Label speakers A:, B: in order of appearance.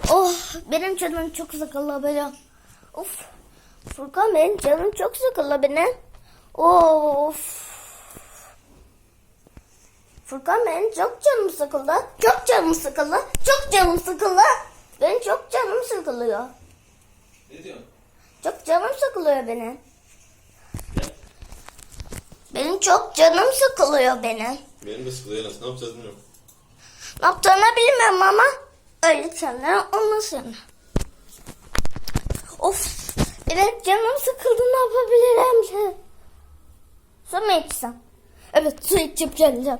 A: Oh, benim canım çok sıkıldı benim. Of. Furkan, benim canım çok sıkıldı benim. Of. Furkan, benim çok canım sıkıldı. Çok canım sıkıldı. Çok canım sıkıldı. Benim çok canım sıkılıyor.
B: Ne diyorsun?
A: Çok canım sıkılıyor benim. Benim çok canım sıkılıyor benim.
B: Benim de sıkılıyor Enes. Ne yapacağız bilmiyorum.
A: Ne yaptığını bilmiyorum ama öyle şeyler olmasın. Of, benim canım sıkıldı, ne yapabilirim? Su mu içsem? Evet, su içip geleceğim.